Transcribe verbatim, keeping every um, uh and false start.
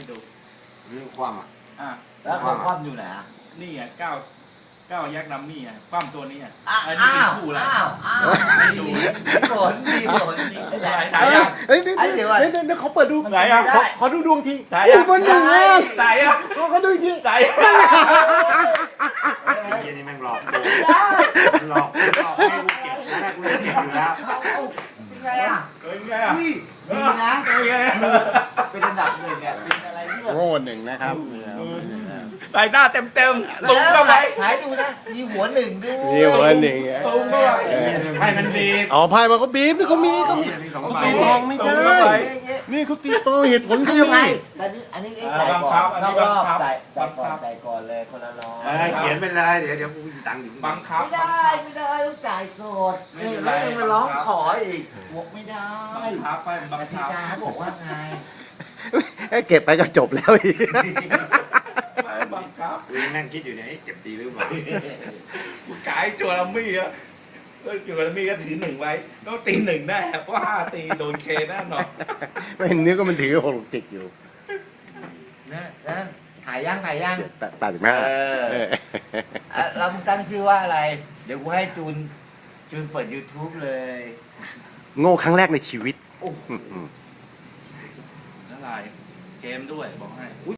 ดูเรื่องความอ่ะอ่ะแล้วความความอยู่ไหนอ่ะนี่อ่ะเก้าเก้ายักษ์ดัมมี่อ่ะความตัวนี้อ่ะอ้าอันนี้เป็นวคู่แล้วอ้าวอ้าวมีผลมีผลนี่นี่คู่แหอะละไรถ่ายยังเฮ้ยเดี๋ยวไอ้เดี๋ยวก่อนเดี๋ยวเดี๋ยวเขาเปิดดูไหนอ่ะขอขอดูดวงทีถ่ายอุ้ยัยงบนหนึ่งอ่ะถ่ายยังเขาดูอีกทีถ่ายยังไอ้เหี้ยนี่แม่งหลอกกูหลอกหลอกให้กูเก็บแม่กูเก็บอยู่แล้วเอาเอาเป็นไงอ่ะเป็นไงอ่ะอุ้ยดีนะเป็นไงเป็นอันดับหนึ่งอ่ะเป็นอะไรที่แบบโง่หนึ่งนะครับใส่หน้าเต็มเต็มๆสูงเข้าไปถ่ายดูนะมีหัวหนึ่งด้วยนี่หัวหนึ่งอ่ะสูงเข้าไปให้มันดีอ๋อไพ่มาเขาบีบนี่เขามีเขามีมีสองเขาใบตีทองไม่สูได้งเข้าไปนี่เขาตีโตเหตุผลคืเขาอยังไงมีอันนี้อันนี้เอ๊ะอ่าจ่ายบังก่คัอบ นอันนนี้อกรอบบังคับจ่ายจ่ายก่อบันงคับจ่ายก่อนเลยคนละร้อยเออเขียนไปเลยเดี๋ยวเดี๋ยวกูมีตังค์อยู่บังคับไม่ได้ไม่ได้ต้องจ่ายสดไม่นี่เป็นไรแล้วยังมาร้องขออีกบอกไม่ได้บังคับไปบักงติคับกาเขาบอกว่าไงเอ้ยเก็บไปก็จบแล้วอีกไปบังคับกูยังนั่งคิดอยู่เนี่ยเก็บดีหรือเปล่ากูกายจัวลัมมี่อะเออจัวลัมมี่ก็ถือหนึ่งไว้ต้องตีหนึ่งแน่เพราะห้าตีโดนเคแน่นอนไม่เห็นนึกว่ามันถือหกจิกอยู่นะนะถ่ายย่างถ่ายย่างแปดแปดสิบห้าเออเอออ่ะเราตั้งชื่อว่าอะไร เดี๋ยวกูให้จูนจูนเปิด YouTube เลยโง่ครั้งแรกในชีวิตโอ้โหอืมละลายเกมด้วยบอกให้